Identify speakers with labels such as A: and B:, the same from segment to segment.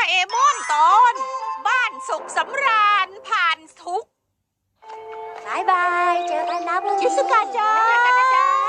A: เอมอนตอนบ้านสุขสำราญผ่านทุกข์
B: บายบายเจอกันนะพรุ่งนี้
C: ชิสุกะจ้า
A: เจอกันนะจ๊ะ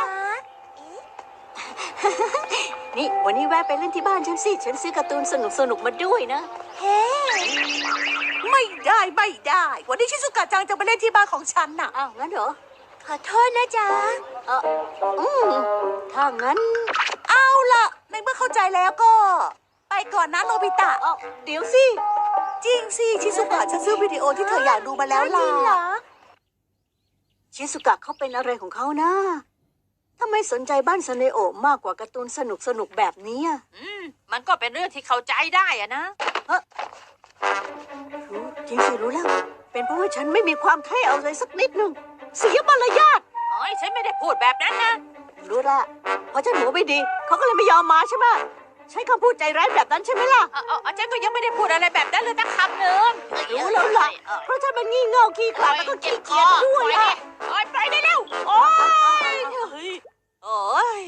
C: นี่วันนี้แวะไปเล่นที่บ้านฉันสิ ฉันซื้อการ์ตูนสนุกมาด้วยนะ
B: เฮ้
D: ไม่ได้ไม่ได้ วันนี้ชิซุกะจังจะมาเล่นที่บ้านของฉันน่ะ
C: อ้าวงั้นเหรอ
B: ขอโทษนะจ๊ะ
C: เอออืมถ้างั้น
D: เอาล่ะ ในเมื่อเข้าใจแล้วก็ ไปก่อนนะโนบิตะ
C: เดี๋ยวสิ
D: จริงสิชิซุกะฉันซื้อวิดีโอที่เธออยากดูมาแล้วล่ะ
B: จริงเหรอ
C: ชิสุกะเขาเป็นอะไรของเขานะทำไมสนใจบ้านซาเนโอะมากกว่าการ์ตูนสนุกแบบนี้อะ
A: มันก็เป็นเรื่องที่เข้าใจได้อะนะ
C: รู้จริงสิรู้แล้ว เป็นเพราะว่าฉันไม่มีความเท่เอาเลยสักนิดหนึ่งเสียมารยาท
A: โอ้ยฉันไม่ได้พูดแบบนั้นนะ
C: รู้ละเพราะฉันหัวไม่ดีเขาก็เลยไม่ยอมมาใช่ไหมใช้คำพูดใจร้ายแบบนั้นใช่ไหมล่ะ
A: ฉันก็ยังไม่ได้พูดอะไรแบบนั้นเลยสักคำหนึ่ง
C: รู้แล้วล่ะเพราะฉันมันงี่เง่าขี้ขลาดแล้วก็ขี้เกียจด้วย
A: อะ
C: อะ
A: โอ้ยไปได้แล้วโอ้ยโอ้ย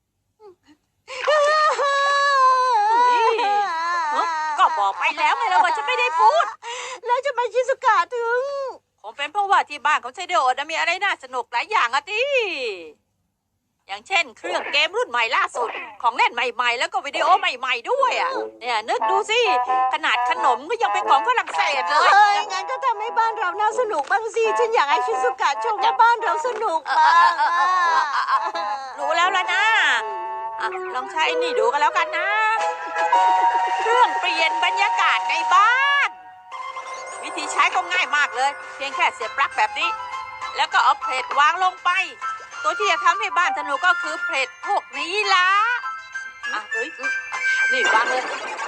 A: ก็บอกไปแล้วไงแล้วว่าฉันไม่ได้พูด
C: แล้วจะมาชิสุกะถึง
A: คงเป็นเพราะว่าที่บ้านของไซเดโอะมีอะไรน่าสนุกหลายอย่างอะที่อย่างเช่น เครื่องเกมรุ่นใหม่ล่าสุดของเล่นใหม่ๆ แล้วก็วิดีโอใหม่ๆด้วยอ่ะเนี่ยนึกดูสิขนาดขนมก็ยังเป็นของฝรั่งเศสเลย
C: เฮ้ยงั้นก็ทำให้บ้านเราน่าสนุกบ้างสิฉันอยากให้ชิสุกะชมว่าบ้านเราสนุกบ้างอะ
A: รู้แล้วล่ะนะลองใช้นี่ดูกันแล้วกันนะ เครื่องเปลี่ยนบรรยากาศในบ้าน วิธีใช้ก็ง่ายมากเลย เพียงแค่เสียบปลั๊กแบบนี้ แล้วก็เอาเพลทวางลงไป ตัวที่จะทำให้บ้านสนุกก็คือเพลทพวกนี้ละนี่วางเลย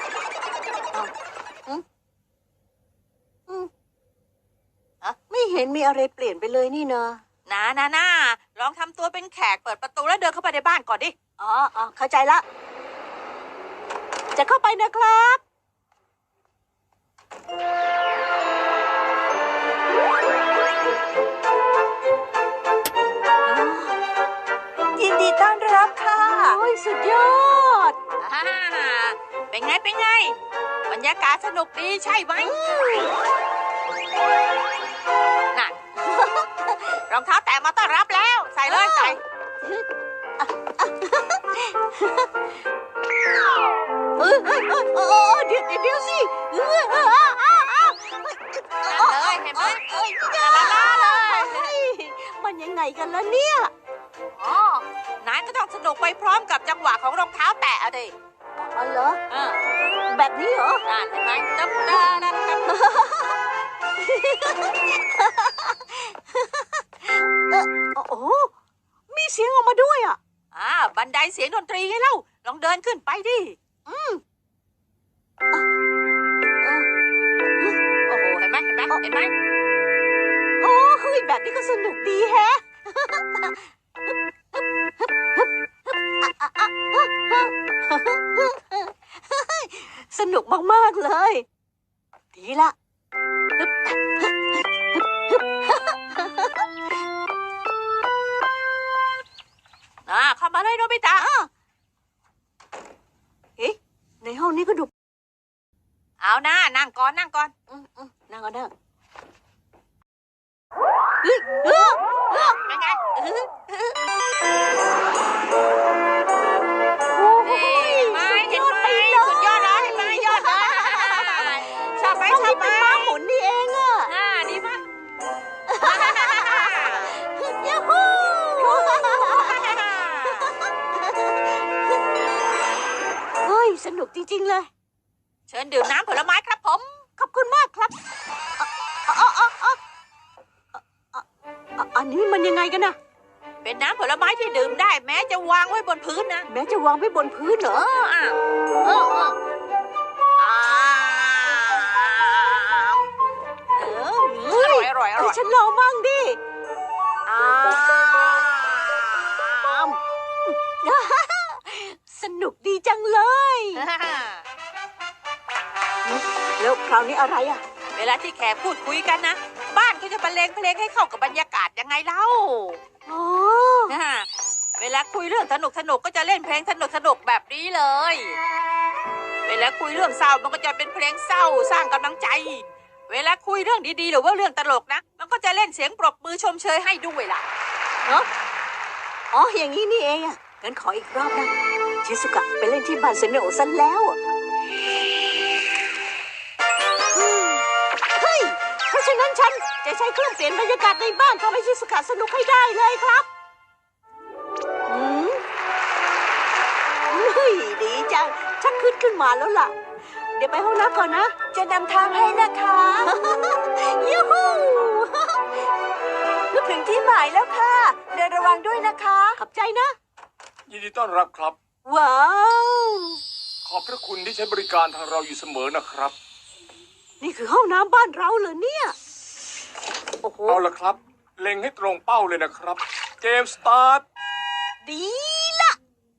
C: ไม่เห็นมีอะไรเปลี่ยนไปเลยนี่นะ
A: นะลองทำตัวเป็นแขกเปิดประตูแล้วเดินเข้าไปในบ้านก่อนดิ
C: อ๋อเข้าใจละ จะเข้าไปนะครับ
D: ยินดีต้อนรับค่ะ
C: โอ้ยสุดยอด
A: เป็นไง บรรยากาศสนุกดีใช่ไหมนั่น รองเท้าแตะมาต้อนรับแล้ว ใส่เลยใส่
C: เดี๋ยวสิ
A: นั่นเลยเห็นไหมลาเลย
C: มันยังไงกันล่ะเนี่ย
A: อ๋อนายก็ต้องสนุกไปพร้อมกับจังหวะของรองเท้าแตะอะดิ
C: อ๋อเหรอ
A: เออ
C: แบบนี้เหรอ
A: นั่นเห็นไหมจับนั่น
C: โอ้โหมีเสียงออกมาด้วยอ่ะ
A: บันไดเสียงดนตรีไงเล่าลองเดินขึ้นไปดิโอ้โหเห็นไหม
C: โอ้เฮ้ยแบบนี้ก็สนุกดีแฮะ สนุกมากๆเลย ดีละ
A: เข้ามาเลยโนบิตะ
C: เอ๊ะในห้องนี้ก็ดู
A: เอานะนั่งก่อน
C: นั่งก่อนนะเฮ้ย
A: เป็นไง
C: โอ้
A: เห็นไหมสุดยอดเลยเห็นไหมยอดเลยชอบไหม
C: ห้องนี้เป็นม้าหมุนนี่เองอะ
A: ดีมาก
C: ยูฮู เฮ้ยสนุกจริงๆเลย
A: เชิญดื่มน้ำผลไม้ครับผม
C: ขอบคุณมากครับอันนี้มันยังไงกันนะ
A: เป็นน้ำผลไม้ที่ดื่มได้แม้จะวางไว้บนพื้นนะ
C: แม้จะวางไว้บนพื้นเหรอ
A: อร่อย
C: ให้ฉันลองมั่งดิสนุกดีจังเลย แล้วคราวนี้อะไรอ่ะ
A: เวลาที่แขกพูดคุยกันนะ บ้านก็จะบรรเลงเพลงให้เข้ากับบรรยากาศยังไงเล่า
C: อ๋อ
A: เวลาคุยเรื่องสนุกก็จะเล่นเพลงสนุกแบบนี้เลย เวเวลาคุยเรื่องเศร้ามันก็จะเป็นเพลงเศร้าสร้างกำลังใจ เวลาคุยเรื่องดีๆหรือว่าเรื่องตลกนะมันก็จะเล่นเสียงปรบมือชมเชยให้ด้วยล่ะ
C: อ๋ออย่างนี้นี่เองอ่ะงั้นขออีกรอบนะชิซุกะไปเล่นที่บ้านเซเนโอะซะแล้วอะเฮ้ยเพราะฉะนั้นฉันจะใช้เครื่องเปลี่ยนบรรยากาศในบ้านทำให้ชิซุกะสนุกให้ได้เลยครับอืมเฮ้ยดีจังชักขึ้นมาแล้วล่ะ เดี๋ยวไปห้องน้ำก่อนนะ
D: จะนำทางให้นะคะ
C: ยูฮู
D: ถึงที่หมายแล้วค่ะ เดินระวังด้วยนะคะ
C: ขอบใจนะ
E: ยินดีต้อนรับครับ
C: ว้าว
E: ขอบพระคุณที่ใช้บริการทางเราอยู่เสมอนะครับ
C: นี่คือห้องน้ำบ้านเราเหรอเนี่ยโอ้โห
E: เอาละครับ เล็งให้ตรงเป้าเลยนะครับ เกมสตาร์ท
C: ดีละ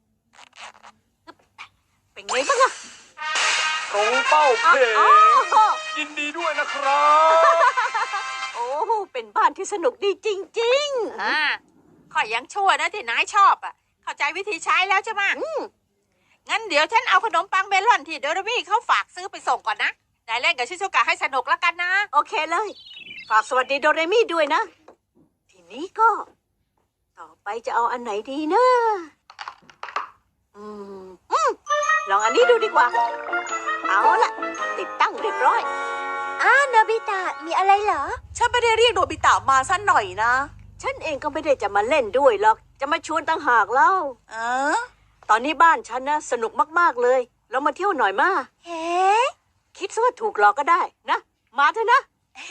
C: เป็นไงบ้างอะ
E: ตรงเป้าเพลง
C: อ๋อ
E: ยินดีด้วยนะครับ
C: โอ้โหเป็นบ้านที่สนุกดีจริง
A: ข้อยังชั่วนะที่นายชอบอ่ะ เข้าใจวิธีใช้แล้วใช่ไหมงั้นเดี๋ยวฉันเอาขนมปังเมลอนที่โดรามี่เขาฝากซื้อไปส่งก่อนนะนายเล่นกับชิซุกะให้สนุกแล้วกันนะ
C: ๆ โอเคเลย ฝากสวัสดีโดเรมี่ด้วยนะ ทีนี้ก็ ต่อไปจะเอาอันไหนดีนะอืมลองอันนี้ดูดีกว่า เอาล่ะ ติดตั้งเรียบร้อย
B: โนบิตะมีอะไรเหรอ
D: ฉันไม่ได้เรียกโนบิตะมาสั้นหน่อยนะ
C: ฉันเองก็ไม่ได้จะมาเล่นด้วยหรอก จะมาชวนต่างหากเล่า
D: เออ
C: ตอนนี้บ้านฉันนะสนุกมากๆเลย เรามาเที่ยวหน่อยมา
B: เฮ้
C: คิดซะว่าถูกหลอกก็ได้นะ มาเถอะนะ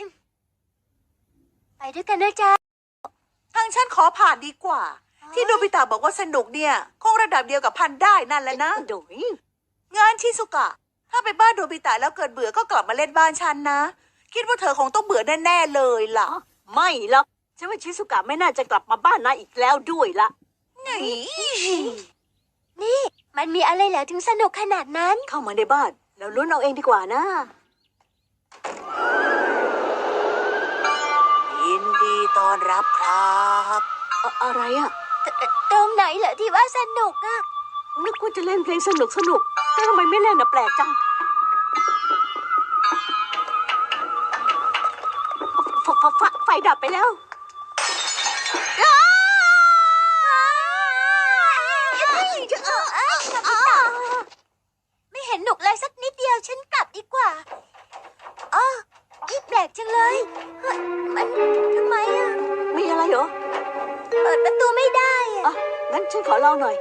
B: ไปด้วยกันนะจ๊ะ
D: ทางฉันขอผ่านดีกว่า ที่โนบิตะบอกว่าสนุกเนี่ยคงระดับเดียวกับพันได้นั่นแหละนะ
C: โดย
D: งานชิซุกะ ถ้าไปบ้านโนบิตะแล้วเกิดเบื่อก็กลับมาเล่นบ้านฉันนะ คิดว่าเธอคงต้องเบื่อแน่ๆเลยล่ะ
C: ไม่หรอกฉันว่าชิซุกะไม่น่าจะกลับมาบ้านนายอีกแล้วด้วยละ
B: นี่ มันมีอะไรเหรอถึงสนุกขนาดนั้น
C: เข้ามาในบ้าน แล้วลุ้นเอาเองดีกว่านะ
D: ยินดีต้อนรับครับ
C: อะไรอะ
B: ตรงไหนเหรอที่ว่าสนุกอะ
C: นึกว่าจะเล่นเพลงสนุกแต่ทำไมไม่เล่นนะแปลกจังไฟดับไปแล้ว
B: ไม่เห็นหนุกเลยสักนิดเดียวฉันกลับดีกว่าอ๋อนี่แปลกจังเลยเฮ้ยมันทำไมอะ
C: มีอะไรเหรอ
B: เปิดประตูไม่ได้อะ
C: อ่ะงั้นฉันขอลองหน่อย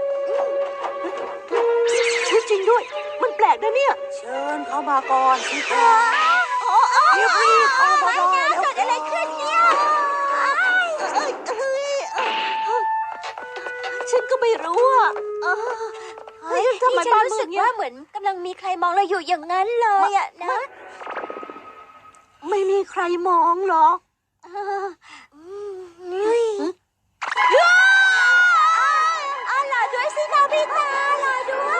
C: จริงด้วย มันแปลกนะเนี่ย
D: เชิญเข้ามาก่อนสิค
B: อ๋
D: รั
B: อบ
D: รีบๆเข้ามา
B: ไม่
D: ได้
B: นะ
D: แล้ว
B: เกิดอะไรขึ้นเนี่ย
C: ฉันก็ไม่รู้อ่ะเฮ้ยทำไม
B: นี่ฉัน
C: บ้าน
B: รู้
C: มื
B: สึ
C: ด
B: ก
C: เนี่ย
B: ว่าเหมือนกำลังมีใครมองเราอยู่อย่างนั้นเลยอะนะ
C: ไม่มีใครมองหรอก
B: นี่รอด้วยสิโนบิตะรอด้วย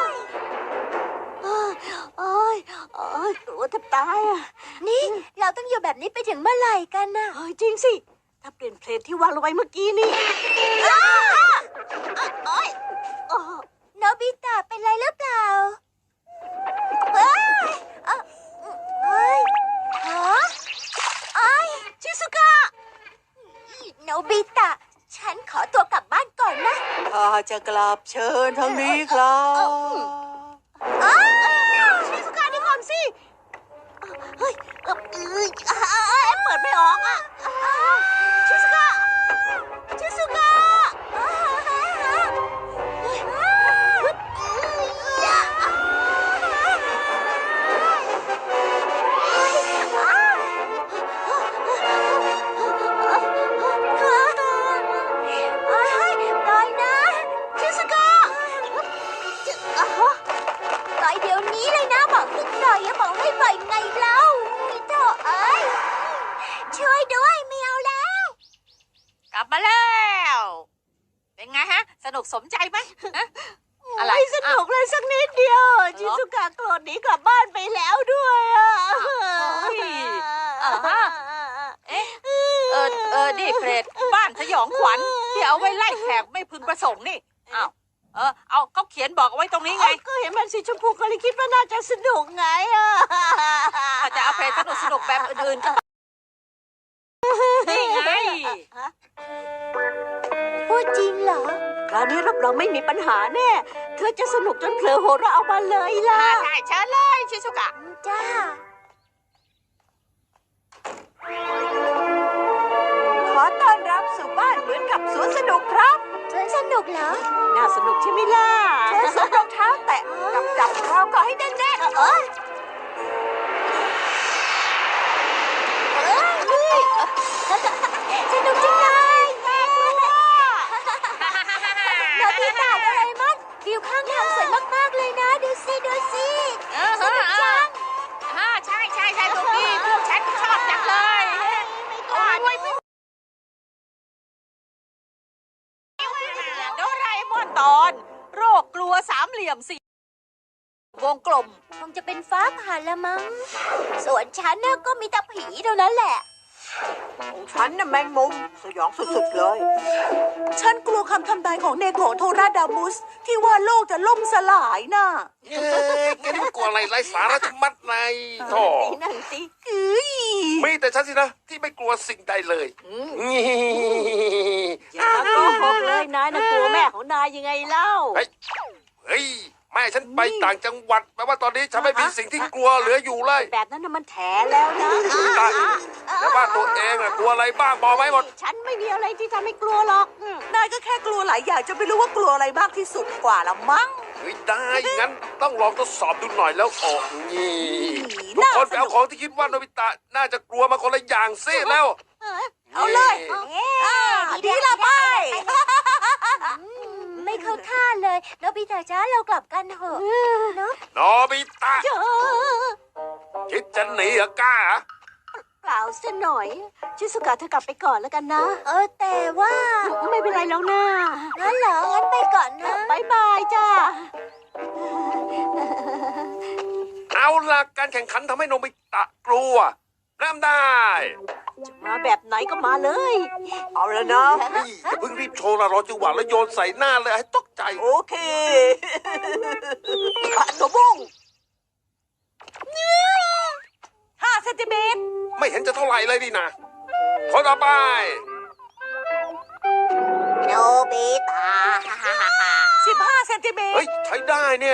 C: โอ้ยกลัวแทบตายอ่ะ
B: นี่เราต้องอยู่แบบนี้ไปถึงเมื่อไหร่กันน่ะ
C: เฮ้ยจริงสิ ถ้าเปลี่ยนเพลงที่วางลงไปเมื่อกี้นี่โอ้ย
B: โนบิตะเป็นไรหรือเปล่าเอ้ยเอ้ยฮะเอ้ย
C: ชิซุกะ
B: โนบิตะ ฉันขอตัวกลับบ้านก่อนนะ
D: ถ้าจะกลับเชิญทางนี้ครับ
C: ชิซุกะนี่ก่อนสิเฮ้ยเปิดไม่ออกอ่ะชิซุกะชิซุกะ
B: ปล่อยนะ
C: ชิซุกะ
B: ปล่อยเดี๋ยวนี้เลยนะบอกให้ปล่อยอย่าบอกให้ปล่อยไงเล่าโธ่เอ้ยช่วยด้วยไม่เอาแล้ว
A: กลับมาแล้ว เป็นไงฮะ สนุกสมใจไหมฮะอะไร
C: ไม่สนุกเลยสักนิดเดียวชิซุกะโกรธหนีกลับบ้านไปแล้วด้วยอ่ะ
A: นี่เพลดบ้านสยองขวัญที่เอาไว้ไล่แขกไม่พึงประสงค์นี่อ้าวเอาเขาเขียนบอกเอาไว้ตรงนี้ไง
C: ก็เห็นมันสีชมพูก็เลยคิดว่าน่าจะสนุกไงอ่ะ
A: อาจจะเอาเพลงสนุกๆแบบอื่นๆก็นี่ไง
B: พูดจริงเหรอ
C: คราวนี้รับรองไม่มีปัญหาแน่ เธอจะสนุกจนเผลอหัวเราะออกมาเลยล่ะ
A: ใช่เชิญเลยชิซุกะ
B: จ้า
D: ขอต้อนรับสู่บ้านเหมือนกับสวนสนุกครับ
B: สวนสนุกเหรอ
C: น่าสนุกใช่ไหมล่ะ
D: เชิญสวมรองเท้าแตะกับจับเราก็ให้แน่น
B: เอ้ยสนุกจังเลยโนบิตะโดราเอมอนวิวข้างทางสวยมากๆเลยนะ ดูสิ ดูสิสนุกจัง
A: ใช่ลูกพี่พวกฉันชอบจังเลยโอ้ยโดราเอมอนตอน โรคกลัวสามเหลี่ยมสี่วงกลม
B: คงจะเป็นฟ้าผ่าละมั้ง ส่วนฉันน่ะก็มีแต่ผีเท่านั้นแหละ
C: ของฉันน่ะแมงมุมสยองสุดๆเลย
D: ๆ ฉันกลัวคำทำนายของเนโกะโทราดามุส ที่ว่าโลกจะล่มสลายน่ะ
E: เย้แกนี่มันกลัวอะไรไร้สาระชะมัดในโธ่
C: นั่นสิ
E: มีแต่ฉันสินะ ที่ไม่กลัวสิ่งใดเลยนี่
C: อย่ามาโกหกเลยนายน่ะกลัวแม่ของนายยังไงเล่า
E: เฮ้ยแม่ฉันไปต่างจังหวัดแปลว่าตอนนี้ฉันไม่มีสิ่งที่กลัวเหลืออยู่เลย
C: แบบนั้นน่ะมันแถแล้วนะ
E: ตายแล้วว่าตัวเองอะกลัวอะไรบ้างบอกไหมหมด
C: ฉันไม่มีอะไรที่ทำให้กลัวหรอก
D: นายก็แค่กลัวหลายอย่างจะไม่รู้ว่ากลัวอะไรมากที่สุดกว่าละมั้ง
E: เฮ้ยได้งั้นต้องลองทดสอบดูหน่อยแล้วออกนี่ทุก
D: น่า
E: คนไป
D: สนุ
E: เอา
D: ก
E: ของที่คิดว่าโนบิตะน่าจะกลัวมาคนละอย่างซิแล้ว
D: เอาเลย ดีละไป
B: ไม่เข้าท่าเลยโนบิตะจ้าเรากลับกันเถอะเนาะ
E: โนบิตะคิดจะหนีเหรอกล้าเหรอ
C: เปล่าซะหน่อย ชิสุกะเธอกลับไปก่อนแล้วกันนะ
B: แต่ว่า
C: ไม่เป็นไรแล้วนะ
B: งั้นเหรอ งั้นไปก่อนนะ
C: บายบายจ้า
E: เอาล่ะการแข่งขันทำให้โนบิตะกลัวเริ่มได้
C: จะมาแบบไหนก็มาเลย เอาแล้วนะ
E: นี่อย่าเพิ่งรีบโชว์ละรอจังหวะแล้วโยนใส่หน้าเลยให้ตกใจ
C: โอเคอะตัวบุ้ง
D: 5 เซนติเมตร
E: ไม่เห็นจะเท่าไหร่เลยนี่นะคนต่อไป
B: โนบิตะ
D: 15 เซนติเมต
E: เฮ้
D: ร
E: ยใช้ได้เนี่ย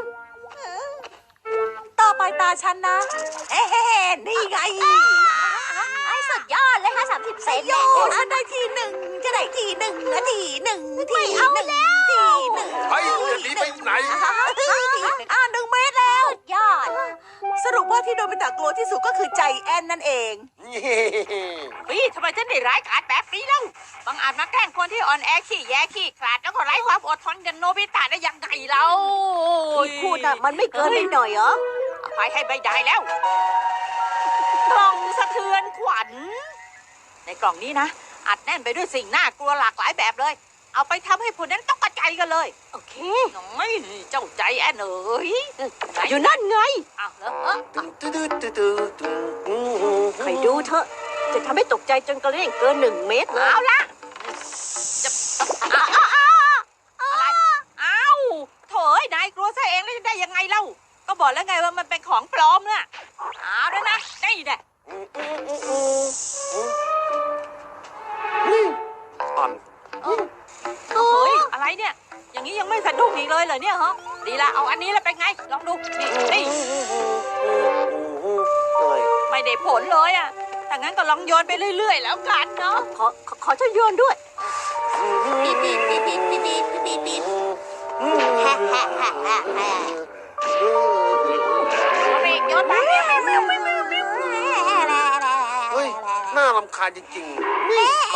D: ต่อไปตาฉันนะ เฮ้นี่ไง
B: ไอ้สุดยอดเลยค่ะ30 เซน
D: โย
B: เนี่ย
D: ฉันได้ทีหนึ่งจะได้ทีหนึ่งทีหนึ่งทีหนึ่งทีหนึ่ง
E: เฮ้ยจะหนีไปไหน
D: 1 เมตรแล้ว
B: สุดยอด
D: สรุปว่าที่โดมิตะกลัวที่สุดก็คือใจแอนนั่นเอง
A: พี่ทำไมฉันได้ร้ายกาจแบบนี้เล่าบางอาจมาแกล้งคนที่อ่อนแอขี้แยขี้ขลาดแล้วก็ไร้ความอดทนกันโนบิตะได้ยังไงเรา
C: ที่พูดน่ะมันไม่เกินไปหน่อยเหรอ
A: อภัยให้ไม่ได้แล้ว กล่องสะเทือนขวัญ ในกล่องนี้นะ อัดแน่นไปด้วยสิ่งน่ากลัวหลากหลายแบบเลย เอาไปทำให้ผู้นั้นต้องกระจายกันเลย
C: โอเค
A: น้อยเจ้าใจแอนเอ๋ยไหน
C: อยู่นั่นไง
A: อ้าวเหรอ
C: ใครดูเถอะ จะทำให้ตกใจจนกระเด้งเกิน1 เมตรเลย
A: เอาละจะอะไรอ้าวโถยนายกลัวซะเองแล้วจะได้ยังไงเล่า ก็บอกแล้วไงว่ามันเป็นของปลอมน่ะเอาแล้วนะนี่แหละ
E: อ่อน
A: เฮ้ยอะไรเนี่ย อย่างนี้ยังไม่สะดุ้งอีกเลยเหรอเนี่ยฮะดีละเอาอันนี้แล้วเป็นไง ลองดูนี่ไม่ได้ผลเลยอ่ะถ้างั้นก็ลองโยนไปเรื่อยๆแล้วกันเนาะ
C: ขอฉันโยนด้วย
B: ปี๊บปี๊บปี๊บปี๊บปี๊บปี๊บปี๊บปี๊บฮ่าฮ่าฮ่าฮ่าฮ่า
A: โยนไป
E: เฮ้ยน่ารำคาญจริงๆนี่มา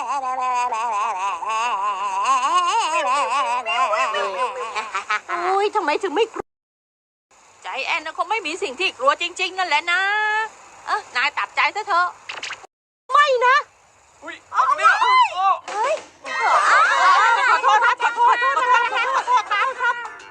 C: โอ้ยทำไมถึงไม่กลัว
A: ใจแอนนะคงไม่มีสิ่งที่กลัวจริงๆนั่นแหละนะนายตัดใจซะเถอะ
C: ไม่นะ
E: อุ้ยเอาเนี่ย
A: ขอโทษครับขอโทษครับ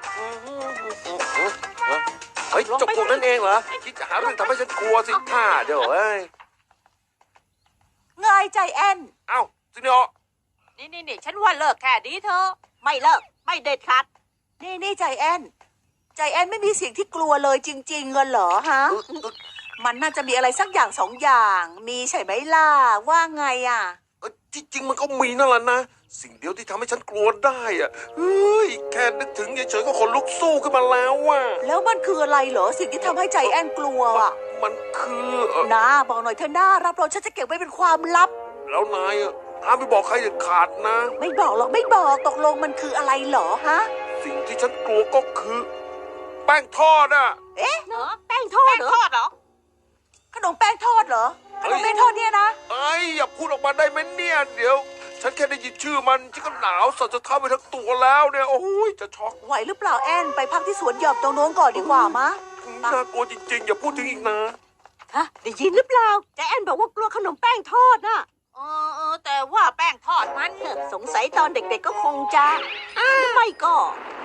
E: เฮ้ยเจบพวกนั้นเองเหรอคิดจะหาเรื่องทำให้ฉันกลัวสิท่าเดี๋ยวเอ้ย
D: ไงใจแอน
E: เอ้าซิเนโอ
A: นี่ฉันว่าเลิกแค่ดีเถอะ
C: ไม่เลิก
A: ไม่เด็ดขาด
D: นี่ใจแอนไม่มีเสียงที่กลัวเลยจริงๆเหรอฮะ มันน่าจะมีอะไรสักอย่างสองอย่าง มีใช่ไหมล่ะ ว่าไงอ่ะ
E: ที่จริงมันก็มีนั่นแหละนะ สิ่งเดียวที่ทำให้ฉันกลัวได้อะเฮ้ย แค่นึกถึงเฉยๆก็ขนลุกสู้ขึ้นมาแล้วว่ะ
D: แล้วมันคืออะไรเหรอ สิ่งที่ทำให้ใจแอนกลัวอ่ะ
E: มันคือ
D: นะบอกหน่อยเถอะนะรับรองฉันจะเก็บไว้เป็นความลับ
E: แล้วนายอะห้ามไปบอกใครเด็ดขาดนะ
D: ไม่บอกหรอกไม่บอกตกลงมันคืออะไรเหรอฮะ
E: สิ่งที่ฉันกลัวก็คือ แป้งทอดอ่ะ
A: เนอะแป้งทอดเหรอ
D: ขนมแป้งทอดเหรอขนมแป้งทอดเนี่ยนะ
E: ไอ้ยอย่าพูดออกมาได้ไหมเนี่ยเดี๋ยว ฉันแค่ได้ยินชื่อมันฉันก็หนาวสั่นจะเท้าไปทั้งตัวแล้วเนี่ยโอ้ยจะช็อก
D: ไหวหรือเปล่าแอนไปพักที่สวนหย่อมตรงโน้นก่อนดีกว่ามะ
E: น่ากลัวจริงๆ อย่าพูดถึงอีกนะ
C: ฮะได้ยินหรือเปล่าใจแอนบอกว่ากลัวขนมแป้งทอดน่ะ
A: แต่ว่าแป้งทอดมัน
C: สงสัยตอนเด็กๆก็คงจะหรือไม่ก็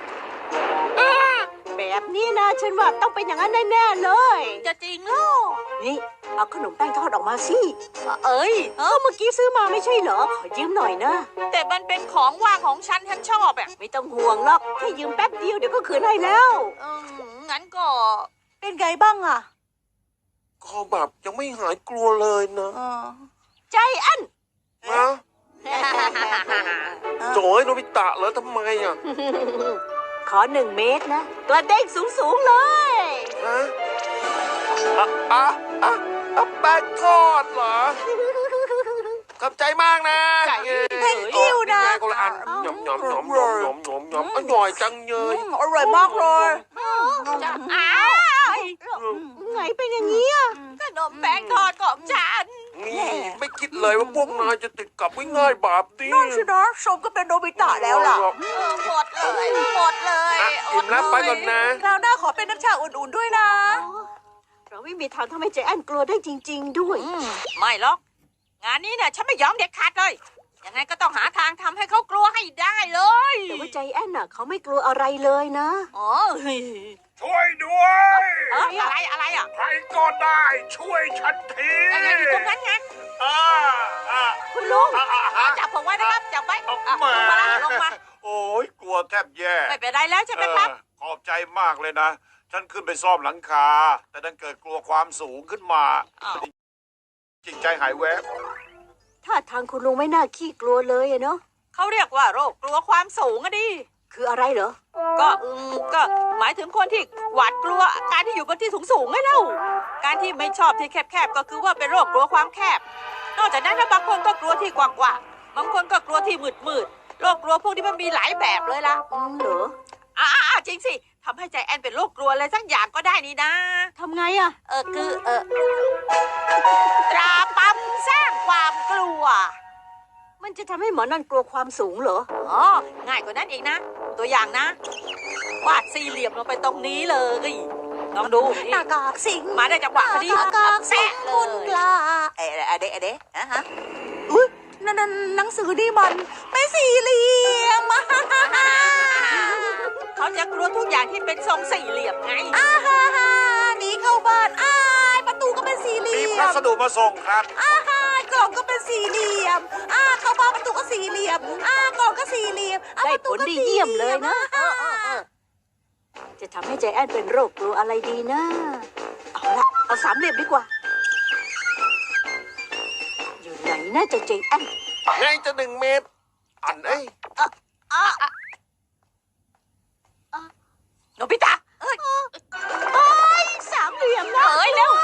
C: แบบนี้นะ ฉันว่าต้องเป็นอย่างนั้นแน่ๆเลย
A: จะจริงเหรอ
C: นี่เอาขนมแป้งทอดออกมาสิ
A: เอ้ย
C: เมื่อกี้ซื้อมาไม่ใช่เหรอ ขอยืมหน่อยนะ
A: แต่มันเป็นของว่างของฉันชอบอ่ะ
C: ไม่ต้องห่วงหรอกแค่ยืมแป๊บเดียวเดี๋ยวก็คืนให้แล้ว
A: งั้นก็
D: เป็นไงบ้างอะ
E: ก็แบบยังไม่หายกลัวเลยนะ
C: ใจแอน
E: นะ โจยโนบิตะเหรอทำไมอ่ะ
C: ขอ1 เมตรนะ กระเด้งสูงๆเลย
E: ฮะอ่ะอ่ะอ่ะอ่ะแป้งทอดเหรอ ขอบใจมากนะ
A: ใจ
D: อิ่วนะ
E: คนละอันหยอมหยอมหยอมหยอมหยอมหยอมหยอมอร่อยจังเลย
D: อร่อยมากเลย
A: จะอ้าว
C: ไงเป็นอย่างนี้อ่ะ
A: ขนมแป้งทอดของฉัน
E: นี่ไม่คิดเลยว่าพวกนายจะติดกับง่ายๆแบบนี้
D: นั่นสินะชมก็เป็นโนบิตะแล้วล่ะ
A: หมดเลย
E: อ่ะอิ่มแล้วไปก่อนนะ
D: คราวหน้าขอเป็นน้ำชาอุ่นๆด้วยนะ
C: เราไม่มีทางทำให้ใจแอนกลัวได้จริง ๆ ด้วย
A: ไม่หรอก งานนี้เนี่ยฉันไม่ยอมเด็ดขาดเลย ยังไงก็ต้องหาทางทำให้เขากลัวให้ได้เลย
C: แต่ว่าใจแอนน่ะเขาไม่กลัวอะไรเลยนะ
A: อ๋อเฮ้ย
E: ช่วยด้วย
A: อะไรอ่ะ
E: ใครก็ได้ช่วยฉันที
A: ยังไงอยู่ตรงนั้นไง
E: อ่าอ่า
C: คุณลุง
A: จับผมไว้นะครับ จับไว้ลงมาลงมา
F: โอ้ยกลัวแทบแย่
A: ไม่เป็นไรแล้วใช่ไหมครับ
F: ขอบใจมากเลยนะ ฉันขึ้นไปซ่อมหลังคา แต่ดันเกิดกลัวความสูงขึ้นมา
A: อ้าว
F: จิตใจหายแวบ
C: ถ้าทางคุณลุงไม่น่าขี้กลัวเลยอะเนาะ
A: เขาเรียกว่าโรคกลัวความสูงอะดิ
C: คืออะไรเหรอ
A: ก็หมายถึงคนที่หวาดกลัวการที่อยู่บนที่สูงไงเล่า การที่ไม่ชอบที่แคบๆก็คือว่าเป็นโรคกลัวความแคบ นอกจากนั้นนะบางคนก็กลัวที่กว้างๆบางคนก็กลัวที่มืดโรคกลัวพวกนี้มันมีหลายแบบเลยล่ะ
C: เหรอ
A: จริงสิทำให้ใจแอนเป็นโรคกลัวอะไรสักอย่างก็ได้นี่นะ
C: ทำไงอะ
A: ตราปั๊มสร้างความกลัว
C: มันจะทำให้หมอนั่นกลัวความสูงเหรอ
A: อ๋อ ง่ายกว่านั้นอีกนะ ตัวอย่างนะ วาดสี่เหลี่ยมลงไปตรงนี้เลยลองดู
D: ห
A: นี่
D: น้ากากสิง
A: มาได้จังหวะพอดี
D: หน้ากากสิง
A: แปะเล
D: คุณก
A: ย
D: ล้าเอ๊ะอะฮะอุ้ยนั่นหนังสือนี่มันเป็นสี่เหลี่ยม
A: เขาจะกลัวทุกอย่างที่เป็นทรงสี่เหลี่ยมไง
D: หนีเข้าบ้านอ้ายประตูก็เป็นสี่เหลี่
F: มี
D: ย
F: พั
D: ม
F: สดุมาส่งครับ
D: กล่องก็เป็นสี่เหลี่ยมเข้าบ้านประตูก็สี่เหลี่ยมกล่องก็สี่เหลี่ยม
C: ได้ผลดีเยี่ยมเลยนะ จะทำให้ใจแอนเป็นโรคกลัวอะไรดีนะ เอาละเอา3 เหลี่ยมดีกว่า อยู่ไหนนะเจ้าใจแอน
E: ไงจะ1 เมตร อันเอ้ย
A: โนบิตะ
C: 3 เหลี่ยมนะ
A: เร็ว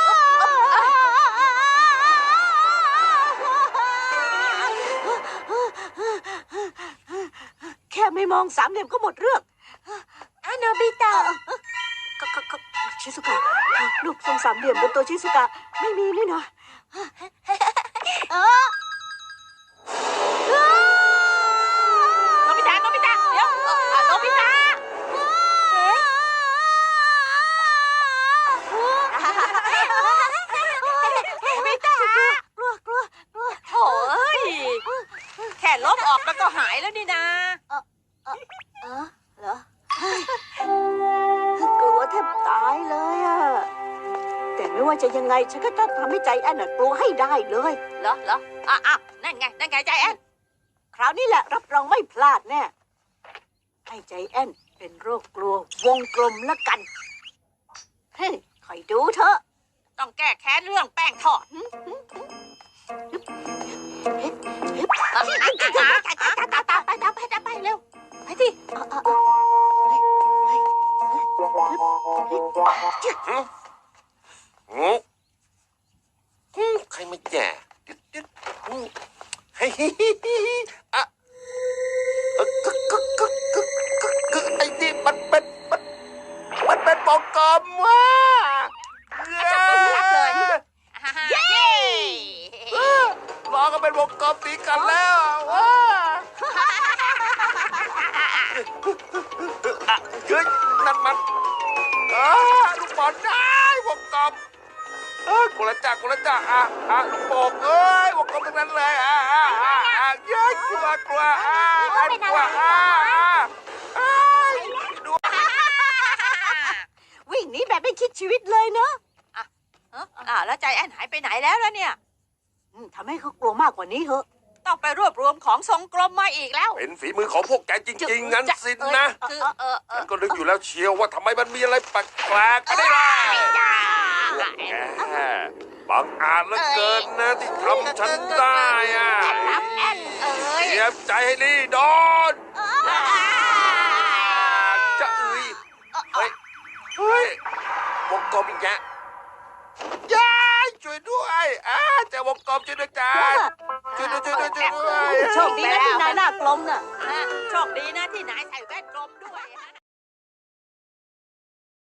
C: แค่ไม่มอง3 เหลี่ยมก็หมดเรื่อง
B: โนบิตะ
C: ก็ชิสุกะรูปทรง3 เหลี่ยมบนตัวชิสุกะไม่มีนี่นะ
A: โนบิตะ เดี๋ยวโนบิตะ
C: กลัว
A: โถ่เอ้ย แค่ลบออกแล้วก็หายแล้วนี่นะ
C: เหรอ กลัวแทบตายเลยอะแต่ไม่ว่าจะยังไงฉันก็ต้องทำให้ใจแอนน่ะกลัวให้ได้เลย
A: เหรอนั่นไงใจแอน
C: คราวนี้แหละรับรองไม่พลาดแน่ให้ใจแอนเป็นโรคกลัววงกลมละกัน เฮ้ยคอยดูเถอะ
A: ต้องแก้แค้นเรื่องแป้งทอด
C: ไปเร็ว ไปที่
E: ใครมาแย่ดึ๊ดเฮ้ยอะไอ้นี่มันเป็นวงกลมว่ะ
A: เย้
E: ล้อก็เป็นวงกลมตีกันแล้วว้าเฮ้ยนั่นมันลูกบอลได้วงกลมกูละจ่าลูกโป่งเอ้ยวงกลมทั้งนั้นเลยเย้กลัวกลัว
C: วิ่งหนีแบบไม่คิดชีวิตเลยเนอะ
A: แล้วใจแอนหายไปไหนแล้วล่ะเนี่ย
C: ทำให้เขากลัวมากกว่านี้เหอะ
A: ต้องไปรวบรวมของทรงกลมมาอีกแล้ว
E: เป็นฝีมือของพวกแกจริงๆงั้นสินะ
A: คือ
E: ฉันก็นึกอยู่แล้วเชียวว่าทำไมมันมีอะไรแปลกๆก็ได้ล่ะแกบังอาจเหลือเกินนะที่ทำฉันได้อ่ะ
A: รับแอนเอ้ย
E: เตรียมใจให้ดีโดนจะเฮ้ยวงกลมอีกแกยายช่วยด้วยเจอวงกลมช่วยด้วยกันช่วยด้วย
C: โชคดีนะที่นายหน้ากลมน่ะ
A: โชคดีนะที่นายใส่แว่น